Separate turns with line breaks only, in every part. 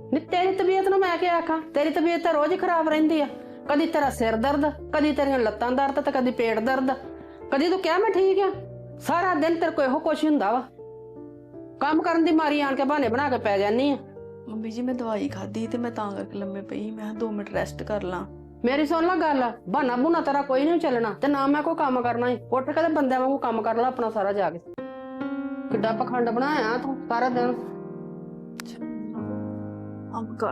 ਨੀ ਤੇਰੀ ਤਬੀਅਤ ਨੂੰ ਮੈਂ ਕੀ ਆਖਾਂ? ਤੇਰੀ ਤਬੀਅਤ ਤਾਂ ਰੋਜ਼ ਹੀ ਖਰਾਬ ਰਹਿੰਦੀ ਆ। ਕਦੀ ਤੇਰਾ ਸਿਰ ਦਰਦ, ਕਦੀ ਤੇਰੀਆਂ ਲੱਤਾਂ ਦਰਦ ਤੇ ਕਦੀ ਪੇਟ ਦਰਦ। ਕਦੀ ਤੂੰ ਕਿਹਾ ਮੈਂ ਠੀਕ ਆ? ਸਾਰਾ ਦਿਨ ਤੇਰੇ ਕੋਲ ਇਹੋ ਕੁਛ ਹੁੰਦਾ ਵਾ। ਕੰਮ ਕਰਨ ਦੀ ਮਾਰੀ ਆਣ ਕੇ ਬਹਾਨੇ ਬਣਾ ਕੇ ਪੈ ਜਾਨੀ ਆ।
ਮੰਮੀ ਜੀ ਮੈਂ ਦਵਾਈ ਖਾਧੀ ਤੇ ਮੈਂ ਤਾਂ ਕਰਕੇ ਲੰਮੇ ਪਈ। ਮੈਂ 2 ਮਿੰਟ ਰੈਸਟ ਕਰ ਲਾਂ।
ਮੇਰੀ ਸੁਣ ਲਾ ਗੱਲ, ਬਹਾਨਾ ਬੂਨਾ ਤੇਰਾ ਕੋਈ ਨਹੀਂ ਚੱਲਣਾ ਤੇ ਨਾ ਮੈਂ ਕੋਈ ਕੰਮ ਕਰਨਾ ਹੀ। ਉੱਠ ਕੇ ਤੇ ਬੰਦਿਆਂ ਵਾਂਗੂ ਕੰਮ ਕਰ ਲੈ ਆਪਣਾ ਸਾਰਾ ਜਾ ਕੇ। ਕਿੱਡਾ ਪਖੰਡ ਬਣਾਇਆ ਤੂੰ ਸਾਰਾ ਦਿਨ।
ਅੰਬ ਕਰ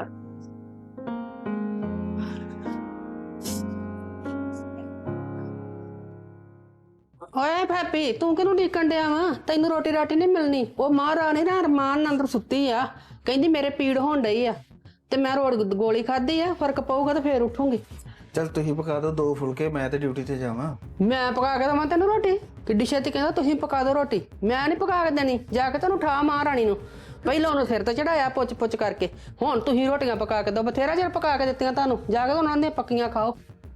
ਓਏ ਭਾਪੀ, ਤੂੰ ਕਿਹਨੂੰ ਡੀਕਣ ਡਿਆ ਵਾ? ਤੈਨੂੰ ਰੋਟੀ ਰਾਟੀ ਨਹੀਂ ਮਿਲਣੀ। ਉਹ ਮਹਾਰਾਣੀ ਨਾ ਅਰਮਾਨ ਨਾਲ ਅੰਦਰ ਸੁੱਤੀ ਆ, ਕਹਿੰਦੀ ਮੇਰੇ ਪੀੜ ਹੋਣ ਡਈ ਆ ਤੇ ਮੈਂ ਗੋਲੀ ਖਾਧੀ ਆ, ਫਰਕ ਪਊਗਾ ਤੇ ਫੇਰ ਉੱਠੂਗੀ।
ਚੱਲ ਤੁਸੀਂ ਪਕਾ ਦਿਓ 2 ਫੁਲਕੇ, ਮੈਂ ਤੇ ਡਿਊਟੀ ਤੇ ਜਾਵਾਂ।
ਮੈਂ ਪਕਾ ਕੇ ਦੇਵਾਂ ਤੈਨੂੰ ਰੋਟੀ? ਕਿੱਡੀ ਛੇਤੀ ਕਹਿੰਦਾ ਤੁਸੀਂ ਪਕਾ ਦਿਓ ਰੋਟੀ। ਮੈਂ ਨਹੀਂ ਪਕਾ ਕੇ ਦੇਣੀ। ਜਾ ਕੇ ਤੈਨੂੰ ਠਾ ਮਹਾਰਾਣੀ ਨੂੰ। ਪਹਿਲਾਂ ਉਹਨੂੰ ਸਿਰ ਤੇ ਚੜਾਇਆ ਪੁੱਛ ਪੁੱਛ ਕਰਕੇ, ਹੁਣ ਤੁਸੀਂ ਰੋਟੀਆਂ ਪਕਾ ਕੇ ਦਿਓ। ਬਥੇਰਾ ਚਿਰ ਪਕਾ ਕੇ ਦਿੱਤੀਆਂ ਤੁਹਾਨੂੰ, ਜਾ ਕੇ ਉਹਨਾਂ ਦੀਆਂ ਪੱਕੀਆਂ ਖਾਓ।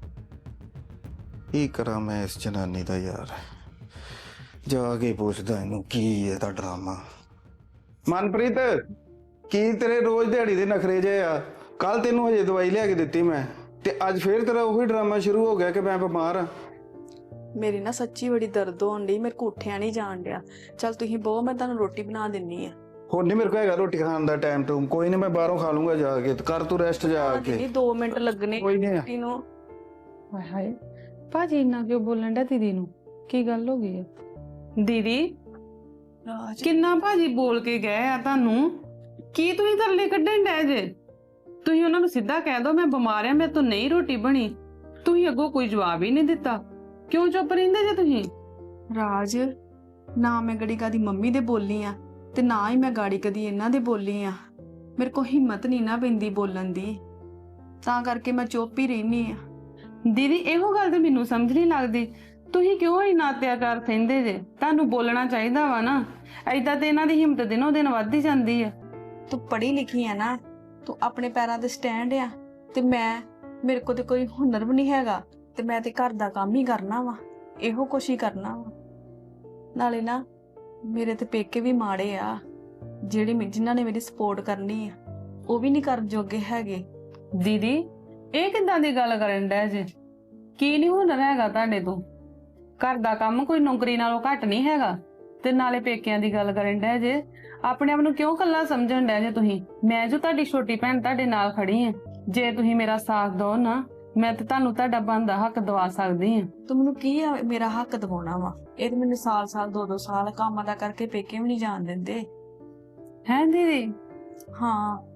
ਕੀ ਕਰਾਂ ਮੈਂ ਇਸ ਜਨਾਨੀ ਦਾ ਯਾਰ, ਜਾ ਕੇ ਪੁੱਛਦਾ ਇਹਨੂੰ ਕੀ ਇਹਦਾ ਡਰਾਮਾ। ਮਨਪ੍ਰੀਤ, ਕੀ ਤੇਰੇ ਰੋਜ਼ ਦਿਹਾੜੀ ਦੇ ਨਖਰੇ ਜੇ ਆ? ਕੱਲ ਤੈਨੂੰ ਹਜੇ ਦਵਾਈ ਲਿਆ ਕੇ ਦਿੱਤੀ ਮੈਂ, ਤੇ ਅੱਜ ਫੇਰ ਤੇਰਾ ਉਹੀ ਡਰਾਮਾ ਸ਼ੁਰੂ ਹੋ ਗਿਆ ਕਿ ਮੈਂ ਬਿਮਾਰ ਆ।
ਮੇਰੀ ਨਾ ਸੱਚੀ ਬੜੀ ਦਰਦ ਹੋਣ ਡਈ, ਮੇਰੇ ਕੋ ਉੱਠਿਆ ਨਹੀਂ ਜਾਣ ਡਿਆ। ਚੱਲ ਤੁਸੀਂ ਬਹੁ, ਮੈਂ ਤੁਹਾਨੂੰ ਰੋਟੀ ਬਣਾ ਦਿੰਨੀ ਆ।
ਹੁਣ ਨਹੀਂ ਮੇਰੇ ਕੋਲ ਹੈਗਾ ਰੋਟੀ ਖਾਣ ਦਾ ਟਾਈਮ ਟੂਮ, ਕੋਈ ਨਹੀਂ ਮੈਂ ਬਾਹਰੋਂ ਖਾ ਲੂੰਗਾ ਜਾ ਕੇ। ਕਰ ਤੂੰ ਰੈਸਟ ਜਾ ਕੇ।
ਦੀਦੀ 2 ਮਿੰਟ ਲੱਗਣੇ
ਕੋਈ ਨਹੀਂ।
ਰੋਟੀ ਨੂੰ।
ਹਾਏ ਹਾਏ, ਭਾਜੀ ਇੰਨਾ ਕਿਉਂ ਬੋਲਣ ਡਿਆ ਦੀਦੀ ਨੂੰ? ਕੀ ਗੱਲ ਹੋ ਗਈ ਆ? ਦੀਦੀ
ਰਾਜ
ਕਿੰਨਾ ਭਾਜੀ ਬੋਲ ਕੇ ਗਏ ਆ ਤੁਹਾਨੂੰ? ਕੀ ਤੁਸੀਂ ਤਰਲੇ ਕੱਢਣ ਡੈ ਜੇ? ਤੁਸੀਂ ਉਹਨਾਂ ਨੂੰ ਸਿੱਧਾ ਕਹਿ ਦੋ ਮੈਂ ਬਿਮਾਰ ਆ, ਮੇਰੇ ਤੋਂ ਨਹੀਂ ਰੋਟੀ ਬਣੀ। ਤੁਸੀਂ ਅੱਗੋਂ ਕੋਈ ਜਵਾਬ ਹੀ ਨਹੀਂ ਦਿੱਤਾ। ਕਿਉਂ ਚੁੱਪ ਰਹਿੰਦੇ ਜੇ ਤੁਸੀਂ?
ਰਾਜ, ਨਾ ਮੈਂ ਗੜੀ ਕਦੀ ਮੰਮੀ ਦੇ ਬੋਲੀ ਆ ਤੇ ਨਾ ਹੀ ਮੈਂ ਗਾੜੀ ਕਦੀ ਇਹਨਾਂ ਦੇ ਬੋਲੀ ਆ। ਮੇਰੇ ਕੋ ਹਿੰਮਤ ਨਹੀਂ ਨਾ ਪੈਂਦੀ ਬੋਲਣ ਦੀ, ਤਾਂ ਕਰਕੇ ਮੈਂ ਚੁੱਪ ਹੀ ਰਹਿਨੀ ਆ।
ਦੀਦੀ ਇਹੋ ਗੱਲ ਤੇ ਮੈਨੂੰ ਸਮਝ ਨਹੀਂ ਲੱਗਦੀ, ਤੁਸੀਂ ਕਿਉਂ ਇੰਨਾ ਅਤਿਆਚਾਰ ਸਹਿੰਦੇ ਜੇ? ਤੁਹਾਨੂੰ ਬੋਲਣਾ ਚਾਹੀਦਾ ਵਾ ਨਾ। ਏਦਾਂ ਤੇ ਇਹਨਾਂ ਦੀ ਹਿੰਮਤ ਦਿਨੋਂ ਦਿਨ ਵੱਧਦੀ ਜਾਂਦੀ ਆ।
ਤੂੰ ਪੜ੍ਹੀ ਲਿਖੀ ਆ ਨਾ, ਤੂੰ ਆਪਣੇ ਪੈਰਾਂ ਤੇ ਸਟੈਂਡ ਆ, ਤੇ ਮੇਰੇ ਕੋਲ ਤੇ ਕੋਈ ਹੁਨਰ ਵੀ ਨਹੀਂ ਹੈਗਾ, ਤੇ ਮੈਂ ਤੇ ਘਰ ਦਾ ਕੰਮ ਹੀ ਕਰਨਾ ਵਾ, ਇਹੋ ਕੁਛ ਹੀ ਕਰਨਾ ਵਾ। ਨਾਲੇ ਨਾ ਮੇਰੇ ਤੇ ਪੇਕੇ ਵੀ ਮਾੜੇ ਆ, ਜਿਨ੍ਹਾਂ ਨੇ ਮੇਰੀ ਸਪੋਰਟ ਕਰਨੀ ਆ ਉਹ ਵੀ ਨਹੀਂ ਕਰਨ ਜੋਗੇ ਹੈਗੇ।
ਦੀਦੀ ਇਹ ਕਿੱਦਾਂ ਦੀ ਗੱਲ ਕਰਨ ਡੈ ਜੇ? ਕੀ ਨਹੀਂ ਹੁਨਰ ਹੈਗਾ ਤੁਹਾਡੇ ਤੋਂ? ਘਰ ਦਾ ਕੰਮ ਕੋਈ ਨੌਕਰੀ ਨਾਲੋਂ ਘੱਟ ਨਹੀਂ ਹੈਗਾ, ਤੇ ਨਾਲੇ ਪੇਕਿਆਂ ਦੀ ਗੱਲ ਕਰਨ ਡੈ ਜੇ। ਆਪਣੇ ਆਪ ਨੂੰ ਕਿਉਂ ਕੱਲਾ ਸਮਝਣ ਡੈ ਜੇ ਤੁਸੀਂ? ਮੈਂ ਜੋ ਤੁਹਾਡੀ ਛੋਟੀ ਭੈਣ ਤੁਹਾਡੇ ਨਾਲ ਖੜੀ ਆ, ਜੇ ਤੁਸੀਂ ਮੇਰਾ ਸਾਥ ਦਿਓ ਨਾ, ਮੈਂ ਤੇ ਤੁਹਾਨੂੰ ਤੁਹਾਡਾ ਬਣਦਾ ਹੱਕ ਦਵਾ ਸਕਦੀ ਆ।
ਤੂੰ ਮੈਨੂੰ ਕੀ ਆ ਮੇਰਾ ਹੱਕ ਦਿਵਾਉਣਾ ਵਾ? ਇਹ ਤੇ ਮੈਨੂੰ ਸਾਲ 2-2 ਸਾਲ ਕੰਮ ਦਾ ਕਰਕੇ ਪੇਕੇ ਵੀ ਨਹੀਂ ਜਾਣ ਦਿੰਦੇ।
ਹੈ ਦੀਦੀ?
ਹਾਂ,